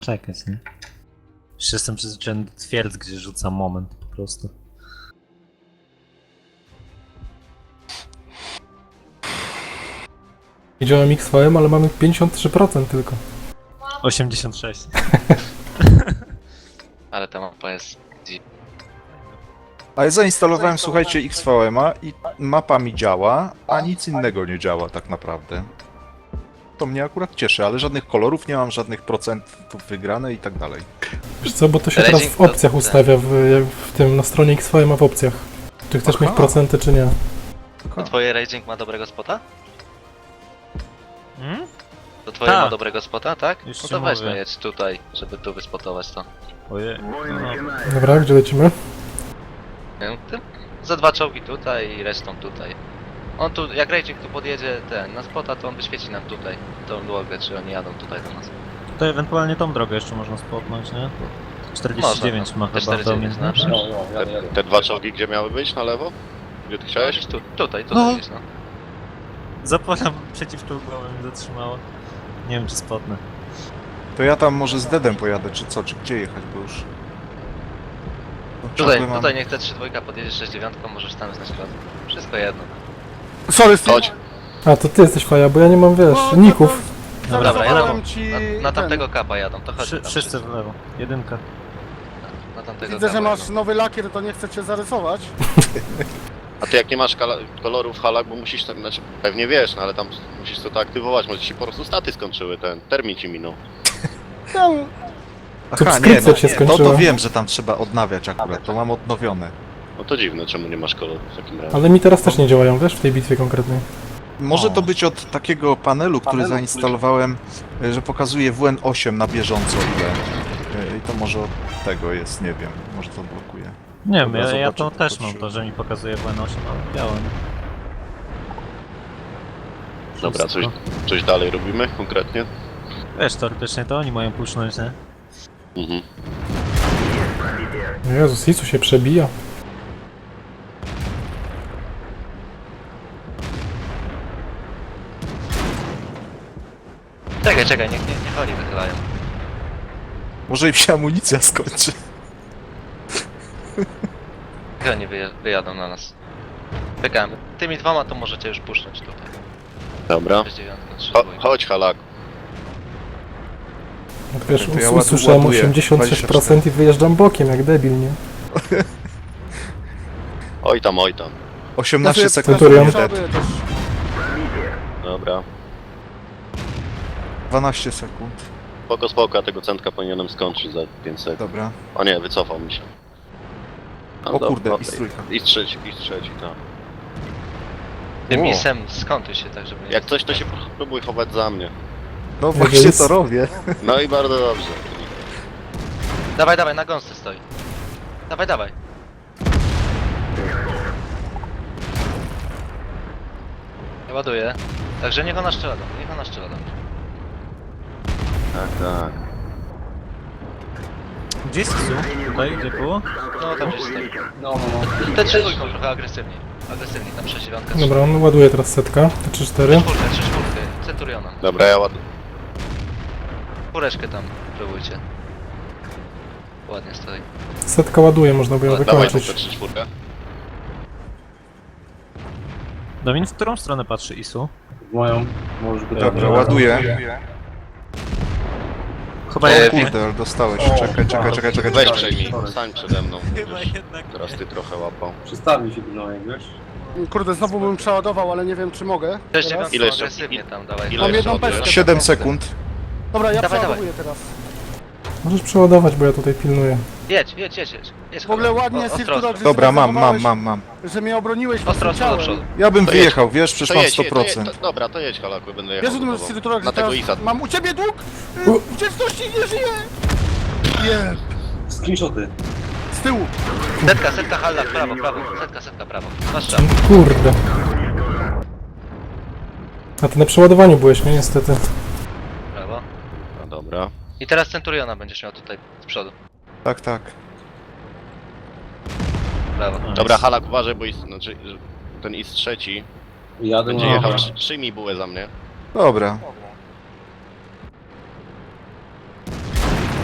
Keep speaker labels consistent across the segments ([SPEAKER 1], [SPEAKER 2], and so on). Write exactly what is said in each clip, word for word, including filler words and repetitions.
[SPEAKER 1] Czekać, nie? Już jestem przyzwyczajony do twierdz, gdzie rzucam moment po prostu.
[SPEAKER 2] Widziałem X V M, ale mamy pięćdziesiąt trzy procent tylko.
[SPEAKER 1] osiemdziesiąt sześć.
[SPEAKER 3] Ale ta mapa jest...
[SPEAKER 4] Ale zainstalowałem, słuchajcie, X V M a i mapa mi działa, a nic innego nie działa tak naprawdę. To mnie akurat cieszy, ale żadnych kolorów nie mam, żadnych procentów wygrane i tak dalej.
[SPEAKER 2] Wiesz co, bo to się teraz w opcjach ustawia, w, w tym, na stronie X V M a w opcjach. Czy chcesz
[SPEAKER 4] Aha.
[SPEAKER 2] mieć procenty, czy nie.
[SPEAKER 3] To twoje raging ma dobrego spota?
[SPEAKER 1] Hmm?
[SPEAKER 3] To twoje
[SPEAKER 1] Tak.
[SPEAKER 3] ma dobrego spota, tak?
[SPEAKER 1] Już
[SPEAKER 3] No
[SPEAKER 1] ci
[SPEAKER 3] to weź
[SPEAKER 1] mówię.
[SPEAKER 3] no jedź tutaj, żeby tu wyspotować to.
[SPEAKER 1] Ojej. No.
[SPEAKER 2] Dobra, gdzie lecimy?
[SPEAKER 3] Nie wiem, ty? Za dwa czołgi tutaj i resztą tutaj. On tu, jak raging tu podjedzie ten, na spota, to on wyświeci nam tutaj tą drogę, czy oni jadą tutaj do nas.
[SPEAKER 1] To ewentualnie tą drogę jeszcze można spotnąć, nie? czterdzieści dziewięć
[SPEAKER 3] Można,
[SPEAKER 1] ma
[SPEAKER 3] no.
[SPEAKER 1] chyba
[SPEAKER 3] czterdzieści dziewięć na
[SPEAKER 1] umiejętności.
[SPEAKER 3] przykład.
[SPEAKER 5] Te, te dwa czołgi gdzie miały być? Na lewo? Gdzie ty chciałeś?
[SPEAKER 3] Gdzieś tu, tutaj, tutaj
[SPEAKER 1] No.
[SPEAKER 3] gdzieś no.
[SPEAKER 1] Zapora przeciwczołgowa mnie zatrzymała. Nie wiem czy spotnę.
[SPEAKER 4] To ja tam może z Dedem pojadę, czy co, czy gdzie jechać, bo już... No,
[SPEAKER 3] Tutaj,
[SPEAKER 4] ciągle mam-
[SPEAKER 3] tutaj niech te trzy dwójka podjedzie sześć dziewięć, możesz tam znać ślad. Wszystko jedno.
[SPEAKER 6] Sorry, Steve.
[SPEAKER 5] Chodź.
[SPEAKER 2] A, to ty jesteś faja, bo ja nie mam, wiesz,
[SPEAKER 6] No,
[SPEAKER 2] ników.
[SPEAKER 3] Dobra,
[SPEAKER 6] Zarysowałem
[SPEAKER 3] jadą.
[SPEAKER 6] ci
[SPEAKER 3] Na, na
[SPEAKER 6] ten.
[SPEAKER 3] tamtego kapa jadą, to chodź
[SPEAKER 1] Wszy,
[SPEAKER 3] tam.
[SPEAKER 1] wszyscy w lewo. Jedynka.
[SPEAKER 3] Na tamtego
[SPEAKER 6] Widzę,
[SPEAKER 3] kapa
[SPEAKER 6] że masz
[SPEAKER 3] jadą.
[SPEAKER 6] nowy lakier, to nie chcę cię zarysować.
[SPEAKER 5] A ty jak nie masz kala- kolorów w halach, bo musisz, tak, znaczy pewnie wiesz, no ale tam musisz to aktywować, może ci się po prostu staty skończyły, ten termin ci minął.
[SPEAKER 6] Tam,
[SPEAKER 4] Aha, nie,
[SPEAKER 2] Subskrypcja
[SPEAKER 4] no,
[SPEAKER 2] się
[SPEAKER 4] to,
[SPEAKER 2] skończyła.
[SPEAKER 4] to wiem, że tam trzeba odnawiać akurat, to mam odnowione.
[SPEAKER 5] No to dziwne, czemu nie masz kolorów w takim razie.
[SPEAKER 2] Ale mi teraz też nie działają, wiesz, w tej bitwie konkretnej.
[SPEAKER 4] Może
[SPEAKER 1] O.
[SPEAKER 4] to być od takiego panelu, który zainstalowałem, y, że pokazuje W N osiem na bieżąco ile. Y, I to może od tego jest, nie wiem, może to blokuje.
[SPEAKER 1] Nie wiem,
[SPEAKER 4] Dobra,
[SPEAKER 1] ja, ja
[SPEAKER 4] zobaczę,
[SPEAKER 1] to
[SPEAKER 4] to
[SPEAKER 1] też mam,
[SPEAKER 4] patrzyłem.
[SPEAKER 1] to że mi pokazuje W N osiem, ale białe.
[SPEAKER 5] Dobra, coś, coś dalej robimy konkretnie?
[SPEAKER 1] Wiesz, teoretycznie to oni mają pusznąć, nie?
[SPEAKER 5] Mhm.
[SPEAKER 2] Jezus, Isu się przebija.
[SPEAKER 3] Czekaj, czekaj, niech nie, niech oni wychylają.
[SPEAKER 4] Może im się amunicja skończy.
[SPEAKER 3] Niech oni wyje, wyjadą na nas. Czekamy. Tymi dwoma to możecie już puszczać tutaj.
[SPEAKER 5] Dobra.
[SPEAKER 3] sześć dziewięć, trzy
[SPEAKER 5] Cho
[SPEAKER 3] dwójka.
[SPEAKER 5] chodź halak.
[SPEAKER 2] Jak wiesz,
[SPEAKER 4] To ja
[SPEAKER 2] us-
[SPEAKER 4] ładu-
[SPEAKER 2] usłyszałem
[SPEAKER 4] ładuję.
[SPEAKER 2] osiemdziesiąt sześć procent i wyjeżdżam bokiem, jak debil, nie?
[SPEAKER 5] Oj tam, oj tam.
[SPEAKER 4] osiemnaście
[SPEAKER 6] ja
[SPEAKER 4] sekund,
[SPEAKER 2] Centurion.
[SPEAKER 4] nie dead.
[SPEAKER 6] przoduję też.
[SPEAKER 5] Dobra.
[SPEAKER 4] dwanaście sekund,
[SPEAKER 5] Spoko, spoko, ja tego centka powinienem skończyć za pięć sekund.
[SPEAKER 4] dobra.
[SPEAKER 5] O nie, wycofał mi się. No
[SPEAKER 4] O
[SPEAKER 5] dobra,
[SPEAKER 4] kurde,
[SPEAKER 5] no,
[SPEAKER 4] i trójka.
[SPEAKER 5] I trzeci, i trzeci, tak.
[SPEAKER 3] Tym
[SPEAKER 4] O.
[SPEAKER 3] isem skątuj się tak, żeby nie...
[SPEAKER 5] Jak coś, to się próbuj chować za mnie.
[SPEAKER 4] No właśnie
[SPEAKER 2] więc-
[SPEAKER 4] to robię.
[SPEAKER 5] No i bardzo dobrze.
[SPEAKER 3] Dawaj, dawaj, na gąsce stoi. Dawaj, dawaj. Ja ładuję. Także niech ona strzela do mnie, niech ona strzela do mnie.
[SPEAKER 5] Tak, tak.
[SPEAKER 1] Gdzie jest Isu? Tutaj, gdzie było?
[SPEAKER 3] No tam gdzieś stoi. No, no, no. Te trzy dwójką trochę agresywniej. Agresywniej, tam sześć dziewięć.
[SPEAKER 2] Dobra, on ładuje teraz setka, te trzy cztery.
[SPEAKER 3] Czwórkę, trzy czwórkę. Centuriona.
[SPEAKER 5] Dobra, ja ład...
[SPEAKER 3] Czwóreczkę tam próbujcie. Ładnie stoi.
[SPEAKER 2] Setka ładuje, można by ją
[SPEAKER 5] Dawaj tą
[SPEAKER 2] wykończyć.
[SPEAKER 5] trzy czwórkę.
[SPEAKER 1] Domin, w którą stronę patrzy Isu?
[SPEAKER 7] Moją, może być.
[SPEAKER 4] Dobra, ładuję.
[SPEAKER 1] Chyba
[SPEAKER 3] E,
[SPEAKER 4] O
[SPEAKER 1] jednak.
[SPEAKER 4] kurde, ale dostałeś. Czekaj, czekaj, czekaj, czekaj.
[SPEAKER 5] Weź
[SPEAKER 4] czekaj.
[SPEAKER 5] przejmij, stań przede mną.
[SPEAKER 1] Chyba
[SPEAKER 5] Wiesz,
[SPEAKER 1] jednak.
[SPEAKER 5] teraz ty trochę łapał.
[SPEAKER 7] Przestawi się gnojek, wiesz?
[SPEAKER 6] Kurde, znowu bym przeładował, ale nie wiem czy mogę.
[SPEAKER 3] sześć
[SPEAKER 6] teraz.
[SPEAKER 3] dziewięć
[SPEAKER 5] Ile jeszcze?
[SPEAKER 3] agresywnie tam, dawaj.
[SPEAKER 5] Ile
[SPEAKER 6] Mam
[SPEAKER 5] jeszcze
[SPEAKER 6] jedną
[SPEAKER 5] ładujesz?
[SPEAKER 6] pestkę.
[SPEAKER 4] siedem sekund.
[SPEAKER 6] Dobra, ja
[SPEAKER 3] Dawaj,
[SPEAKER 6] przeładowuję teraz.
[SPEAKER 2] Możesz przeładować, bo ja tutaj pilnuję.
[SPEAKER 3] Jedź, jedź, jedź, jedź. jedź
[SPEAKER 6] W ogóle
[SPEAKER 3] Halo.
[SPEAKER 6] ładnie,
[SPEAKER 3] O- ostro,
[SPEAKER 6] Sirtura,
[SPEAKER 3] ostro.
[SPEAKER 6] że
[SPEAKER 4] Dobra,
[SPEAKER 6] sobie
[SPEAKER 4] mam, mam,
[SPEAKER 6] zachowałeś,
[SPEAKER 4] mam, mam.
[SPEAKER 6] że mnie obroniłeś
[SPEAKER 3] Ostro,
[SPEAKER 6] własnym
[SPEAKER 3] ostro do
[SPEAKER 6] ciałem.
[SPEAKER 3] przodu.
[SPEAKER 4] Ja bym
[SPEAKER 5] To jedź.
[SPEAKER 4] wyjechał, wiesz, przecież
[SPEAKER 5] To
[SPEAKER 4] mam
[SPEAKER 5] jedź,
[SPEAKER 4] sto
[SPEAKER 5] jedź, to jedź,
[SPEAKER 4] procent.
[SPEAKER 5] to, dobra, to jedź halaku, będę
[SPEAKER 6] Wiesz,
[SPEAKER 5] jechał
[SPEAKER 6] że
[SPEAKER 5] za
[SPEAKER 6] ten
[SPEAKER 5] tobą.
[SPEAKER 6] Sirtura,
[SPEAKER 5] Na
[SPEAKER 6] że
[SPEAKER 5] tego
[SPEAKER 6] teraz
[SPEAKER 5] Isa.
[SPEAKER 6] mam u ciebie dług?
[SPEAKER 2] U.
[SPEAKER 6] Y, Wdzięczności nie żyje! Nie.
[SPEAKER 7] Screenshoty.
[SPEAKER 6] Z tyłu.
[SPEAKER 3] Setka, setka, halla, prawo, prawo. Setka, setka, prawo. Masz strzał.
[SPEAKER 2] Kurde. A ty na przeładowaniu byłeś, nie? Niestety.
[SPEAKER 3] Prawo.
[SPEAKER 5] No dobra.
[SPEAKER 3] I teraz Centuriona będziesz miał tutaj z przodu.
[SPEAKER 4] Tak, tak.
[SPEAKER 3] Prawo.
[SPEAKER 5] Dobra, halak uważaj, bo is, znaczy, że ten is trzeci
[SPEAKER 7] Jadę
[SPEAKER 5] będzie
[SPEAKER 7] na...
[SPEAKER 5] jechał. Trzy- Przyjmij bułę za mnie.
[SPEAKER 4] Dobra.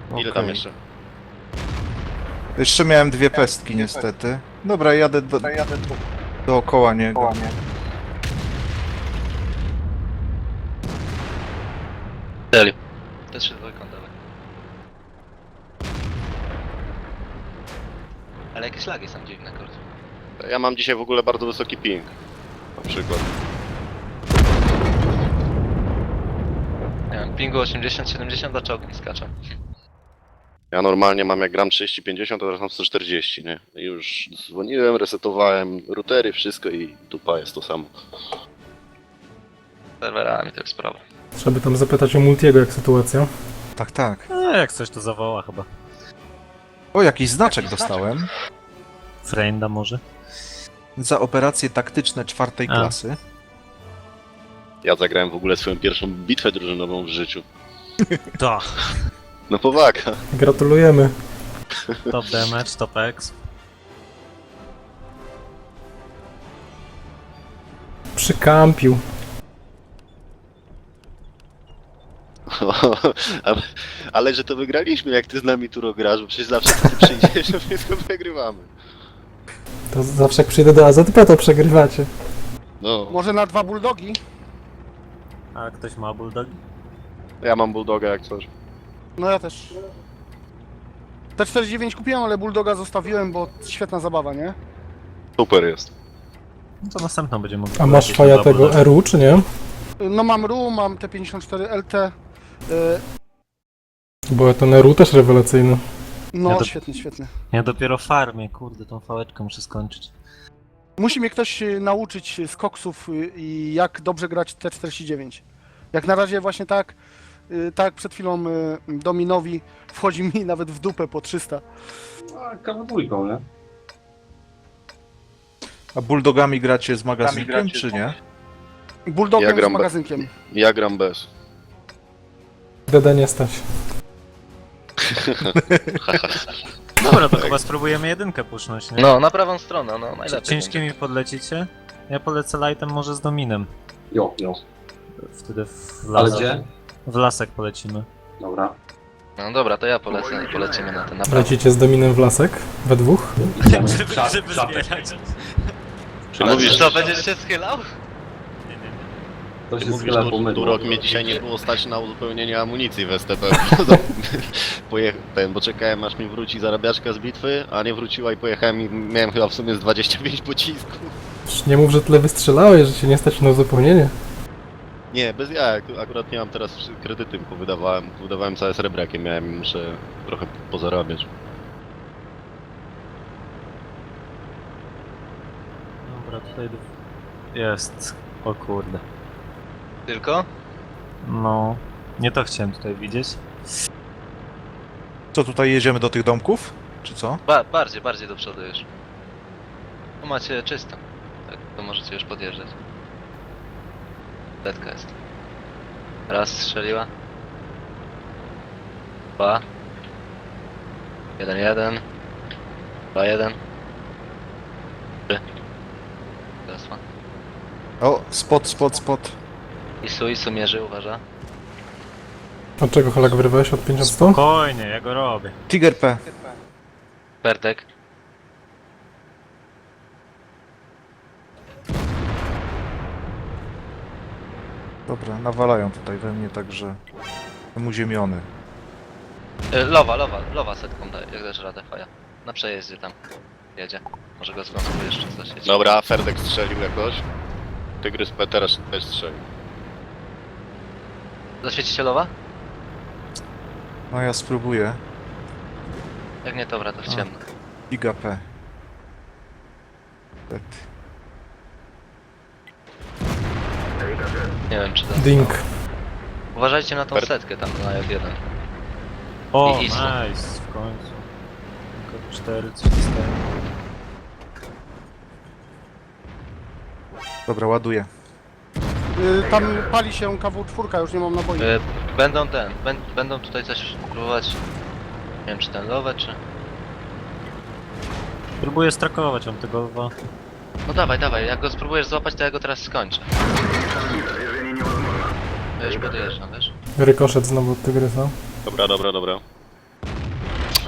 [SPEAKER 5] Ile tam
[SPEAKER 4] Okej.
[SPEAKER 5] jeszcze?
[SPEAKER 4] Jeszcze miałem dwie pestki niestety. Dobra, jadę do, dookoła niego.
[SPEAKER 3] Strzelił. Też się dwójką dawaj. Ale jakieś lagi są dziwne, kurde.
[SPEAKER 5] Ja mam dzisiaj w ogóle bardzo wysoki ping. Na przykład.
[SPEAKER 3] Nie wiem, pingu osiemdziesiąt siedemdziesiąt, a czołgi skaczą.
[SPEAKER 5] Ja normalnie mam jak gram trzydzieści pięćdziesiąt, a teraz mam sto czterdzieści, nie? I już dzwoniłem, resetowałem routery, wszystko i dupa jest to samo.
[SPEAKER 3] Serwerami to jest sprawa.
[SPEAKER 2] Trzeba by tam zapytać o Multiego, jak sytuacja.
[SPEAKER 4] Tak, tak.
[SPEAKER 1] No, jak coś to zawoła chyba.
[SPEAKER 4] O, jakiś znaczek dostałem.
[SPEAKER 1] Frenda może?
[SPEAKER 4] Za operacje taktyczne czwartej
[SPEAKER 1] A.
[SPEAKER 4] klasy.
[SPEAKER 5] Ja zagrałem w ogóle swoją pierwszą bitwę drużynową w życiu.
[SPEAKER 1] To.
[SPEAKER 5] No powaga.
[SPEAKER 2] Gratulujemy.
[SPEAKER 1] Top damage, top X.
[SPEAKER 2] Przykampił.
[SPEAKER 5] ale, ale że to wygraliśmy, jak ty z nami tu grasz, bo przecież zawsze ty przyjdziesz, a wszystko wygrywamy.
[SPEAKER 2] To zawsze jak przyjdę do A Z P, to przegrywacie.
[SPEAKER 5] No,
[SPEAKER 6] Może na dwa bulldogi?
[SPEAKER 1] A ktoś ma bulldog?
[SPEAKER 5] ja mam bulldoga jak coś.
[SPEAKER 6] No ja też. T czterdzieści dziewięć kupiłem, ale bulldoga zostawiłem, bo świetna zabawa, nie?
[SPEAKER 5] Super jest.
[SPEAKER 1] No to następną będziemy mogli
[SPEAKER 2] A masz
[SPEAKER 1] polecieć
[SPEAKER 2] faja
[SPEAKER 1] na
[SPEAKER 2] tego
[SPEAKER 1] bulldog.
[SPEAKER 2] R U, czy nie?
[SPEAKER 6] No mam R U, mam T pięćdziesiąt cztery L T. y,
[SPEAKER 2] Bo ten R U też rewelacyjny.
[SPEAKER 6] No,
[SPEAKER 1] Ja to-
[SPEAKER 6] świetny, świetny.
[SPEAKER 1] Ja dopiero farmię, kurde, tą fałeczkę muszę skończyć.
[SPEAKER 6] Musi mnie ktoś y, nauczyć z koksów y, i jak dobrze grać T czterdzieści dziewięć. Jak na razie właśnie tak, y, tak jak przed chwilą y, Dominowi wchodzi mi nawet w dupę po trzysta.
[SPEAKER 7] A kawa dwójką, nie?
[SPEAKER 4] A bulldogami gracie z magazynkiem, czy nie?
[SPEAKER 6] Bulldogiem
[SPEAKER 5] Ja gram
[SPEAKER 6] z
[SPEAKER 5] be-
[SPEAKER 6] magazynkiem.
[SPEAKER 5] Ja gram bez.
[SPEAKER 2] D D nie stać.
[SPEAKER 1] Dobra, to chyba spróbujemy jedynkę pusznąć, nie?
[SPEAKER 3] No, na prawą stronę, no najlepiej.
[SPEAKER 1] Ciężkimi podlecicie? Ja polecę lightem może z dominem.
[SPEAKER 7] Jo, jo.
[SPEAKER 1] Wtedy w
[SPEAKER 7] Ale
[SPEAKER 1] lasek,
[SPEAKER 7] gdzie?
[SPEAKER 1] w lasek polecimy.
[SPEAKER 7] Dobra.
[SPEAKER 3] No dobra, to ja polecę i polecimy na ten na prawo.
[SPEAKER 2] Lecicie z Dominem w lasek? We dwóch?
[SPEAKER 7] Idziemy.
[SPEAKER 1] Żeby,
[SPEAKER 7] Czap-
[SPEAKER 1] żeby
[SPEAKER 7] czapek.
[SPEAKER 1] zbierać.
[SPEAKER 5] Czy
[SPEAKER 3] Ale
[SPEAKER 5] mówisz,
[SPEAKER 3] co, będziesz się schylał?
[SPEAKER 1] Nie, nie, nie.
[SPEAKER 7] To
[SPEAKER 5] ty
[SPEAKER 7] się
[SPEAKER 5] mówisz,
[SPEAKER 7] schyla
[SPEAKER 5] że
[SPEAKER 7] po mydło.
[SPEAKER 5] Turok mnie dzisiaj nie było stać na uzupełnienie amunicji w S T P. Pojecha- ten, bo czekałem aż mi wróci zarabiaczka z bitwy, a nie wróciła i pojechałem i miałem chyba w sumie z dwadzieścia pięć pocisków.
[SPEAKER 2] Już nie mów, że tyle wystrzelałeś, że się nie stać na uzupełnienie.
[SPEAKER 5] Nie, bez ja, akurat nie mam teraz kredyty, bo wydawałem, wydawałem całe srebro jakie miałem i muszę trochę pozarabiać.
[SPEAKER 1] Dobra, tutaj jest. O kurde.
[SPEAKER 3] Tylko?
[SPEAKER 1] No, nie to chciałem tutaj widzieć.
[SPEAKER 4] Co, tutaj jedziemy do tych domków? Czy co?
[SPEAKER 3] Ba bardziej, bardziej do przodu już. Tu macie czysto. Tak, to możecie już podjeżdżać. Letka jest. Raz strzeliła. Dwa. Jeden, jeden. Dwa, jeden. Trzy. Teraz ma.
[SPEAKER 4] O, spot, spot, spot.
[SPEAKER 3] Isu, Isu mierzy, uważa.
[SPEAKER 2] Od czego Holak wyrywałeś? Od pięćdziesiąt sto?
[SPEAKER 1] Spokojnie, ja go robię.
[SPEAKER 4] Tiger P.
[SPEAKER 3] Bertek.
[SPEAKER 4] Dobra, nawalają tutaj we mnie, także... Jestem uziemiony.
[SPEAKER 3] Y, Lowa, lowa, lowa setką daj, jak dasz radę, faja. Na przejeździe tam. Jedzie. Może go zląskujesz czy coś. jedzie.
[SPEAKER 5] Dobra, Ferdek strzelił jakoś. Tygrys P teraz też strzelił.
[SPEAKER 3] Zaświeci się lowa?
[SPEAKER 4] No ja spróbuję.
[SPEAKER 3] Jak nie, dobra, to w
[SPEAKER 4] A.
[SPEAKER 3] ciemno.
[SPEAKER 4] Giga P. Tak.
[SPEAKER 3] Nie wiem czy to...
[SPEAKER 2] Ding.
[SPEAKER 3] Uważajcie na tą
[SPEAKER 5] Ber-
[SPEAKER 3] setkę tam na F jeden.
[SPEAKER 1] O,
[SPEAKER 3] I Isu.
[SPEAKER 1] nice, w końcu. Tylko cztery, trzy, cztery.
[SPEAKER 4] Dobra, ładuję.
[SPEAKER 6] Y, tam pali się K W cztery, już nie mam naboi.
[SPEAKER 3] Y, Będą ten, bę- będą tutaj coś próbować. Nie wiem czy ten lowę czy...
[SPEAKER 1] Próbuję strakować, on tego dwa.
[SPEAKER 3] No dawaj, dawaj, jak go spróbujesz złapać to ja go teraz skończę. Ja już podjeżdżam, wiesz?
[SPEAKER 2] Rykoszet znowu od Tygrysa.
[SPEAKER 5] Dobra, dobra, dobra.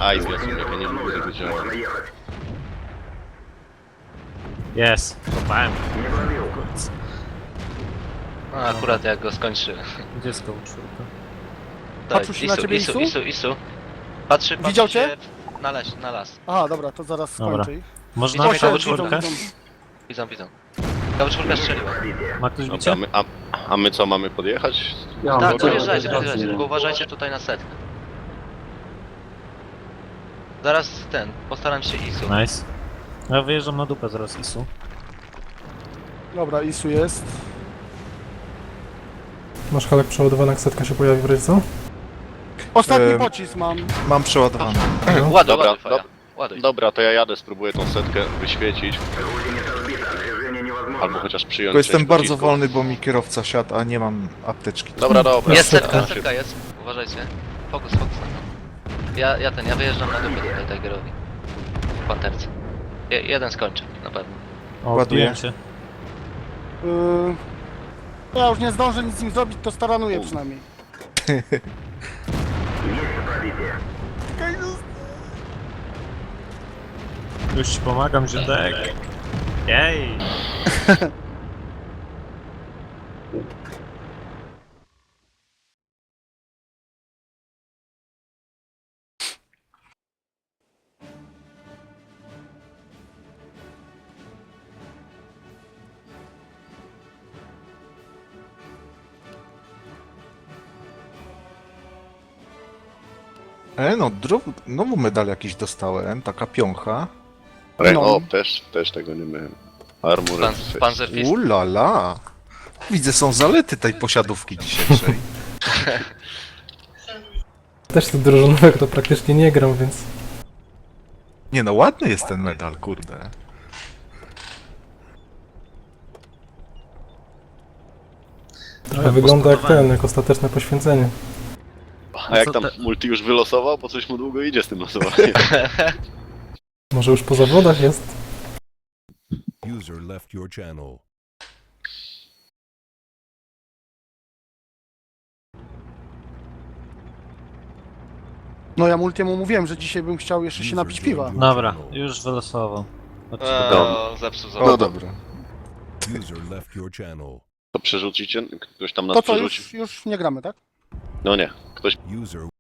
[SPEAKER 5] Aj, zwiastun, jak ja nie lubię tego działa.
[SPEAKER 1] Jest, kopałem.
[SPEAKER 3] No akurat jak go skończy.
[SPEAKER 1] Gdzie jest koło czwórka?
[SPEAKER 6] Patrzył się na ciebie,
[SPEAKER 3] Isu,
[SPEAKER 6] Isu?
[SPEAKER 3] Isu, Isu. Patrzy, patrzy
[SPEAKER 6] Widział
[SPEAKER 3] się
[SPEAKER 6] cię?
[SPEAKER 3] w- Na, les, na las.
[SPEAKER 6] Aha, dobra, to zaraz
[SPEAKER 1] Dobra.
[SPEAKER 6] skończę ich.
[SPEAKER 1] Można
[SPEAKER 3] Widzą,
[SPEAKER 1] mieć
[SPEAKER 3] widzą,
[SPEAKER 1] koło
[SPEAKER 3] widzą,
[SPEAKER 1] czwórkę?
[SPEAKER 3] Widzą, widzą. Kawa czwórka strzeliła.
[SPEAKER 1] Ma ktoś
[SPEAKER 5] Dobra,
[SPEAKER 1] bicie?
[SPEAKER 5] my, a, a my co, mamy podjechać?
[SPEAKER 7] Ja mam
[SPEAKER 3] Tak,
[SPEAKER 7] drogę,
[SPEAKER 3] podjeżdżajcie,
[SPEAKER 7] ale
[SPEAKER 3] podjeżdżajcie,
[SPEAKER 7] nie.
[SPEAKER 3] tylko uważajcie tutaj na setkę. Zaraz ten, postaram się Isu.
[SPEAKER 1] Nice. Ja wyjeżdżam na dupę zaraz, Isu.
[SPEAKER 6] Dobra, Isu jest.
[SPEAKER 2] Masz halek przeładowany, jak setka się pojawi w razie co?
[SPEAKER 6] Ostatni
[SPEAKER 4] Em,
[SPEAKER 6] pocisk mam.
[SPEAKER 4] Mam przeładowany.
[SPEAKER 2] No.
[SPEAKER 3] Ładuj,
[SPEAKER 5] Dobra,
[SPEAKER 3] ładuj, faja.
[SPEAKER 5] dob-
[SPEAKER 3] Ładuj.
[SPEAKER 5] Dobra, to ja jadę, spróbuję tą setkę wyświecić. Albo chociaż przyjąć
[SPEAKER 4] Tylko jestem
[SPEAKER 5] część
[SPEAKER 4] bardzo
[SPEAKER 5] pocisków.
[SPEAKER 4] wolny, bo mi kierowca siadł, a nie mam apteczki.
[SPEAKER 5] Dobra, dobra.
[SPEAKER 3] Jest
[SPEAKER 2] setka.
[SPEAKER 3] setka, setka jest. Uważajcie. Fokus, fokus na to. Ja, ja ten, ja wyjeżdżam na dupę tutaj Tigerowi. W panterce. Je, jeden skończy, na pewno.
[SPEAKER 1] O,
[SPEAKER 4] Ładuję.
[SPEAKER 1] odbiłem się.
[SPEAKER 6] Yy... Ja już nie zdążę nic z nim zrobić, to staranuję przynajmniej.
[SPEAKER 1] Już ci pomagam, Ziędek. Jej!
[SPEAKER 4] E, no, dro- znowu medal jakiś dostałem, taka piącha.
[SPEAKER 5] Re-
[SPEAKER 6] No.
[SPEAKER 5] O, też, też tego nie miałem. Armor.
[SPEAKER 3] Pan, Panzer Fist.
[SPEAKER 4] Ulala! Widzę, są zalety tej posiadówki dzisiejszej.
[SPEAKER 2] Też tu drużynowego to praktycznie nie gram, więc...
[SPEAKER 4] Nie no, ładny jest ten medal, kurde.
[SPEAKER 2] Trochę wygląda jak ten, jak ostateczne poświęcenie.
[SPEAKER 5] A jak
[SPEAKER 1] Co
[SPEAKER 5] tam
[SPEAKER 1] te-
[SPEAKER 5] multi już wylosował, bo coś mu długo idzie z tym losowaniem.
[SPEAKER 2] Może już po zawodach jest?
[SPEAKER 8] User left your channel.
[SPEAKER 6] No ja Multiemu mówiłem, że dzisiaj bym chciał jeszcze się napić piwa.
[SPEAKER 1] Dobra, już wylosował. Chodźcie do domu.
[SPEAKER 3] O, zepsuł
[SPEAKER 4] O,
[SPEAKER 3] zabawę.
[SPEAKER 4] dobra.
[SPEAKER 8] User left your channel.
[SPEAKER 5] To przerzucicie? Ktoś tam nas
[SPEAKER 6] To co,
[SPEAKER 5] przerzucił?
[SPEAKER 6] już, już nie gramy, tak?
[SPEAKER 5] No nie, ktoś
[SPEAKER 8] User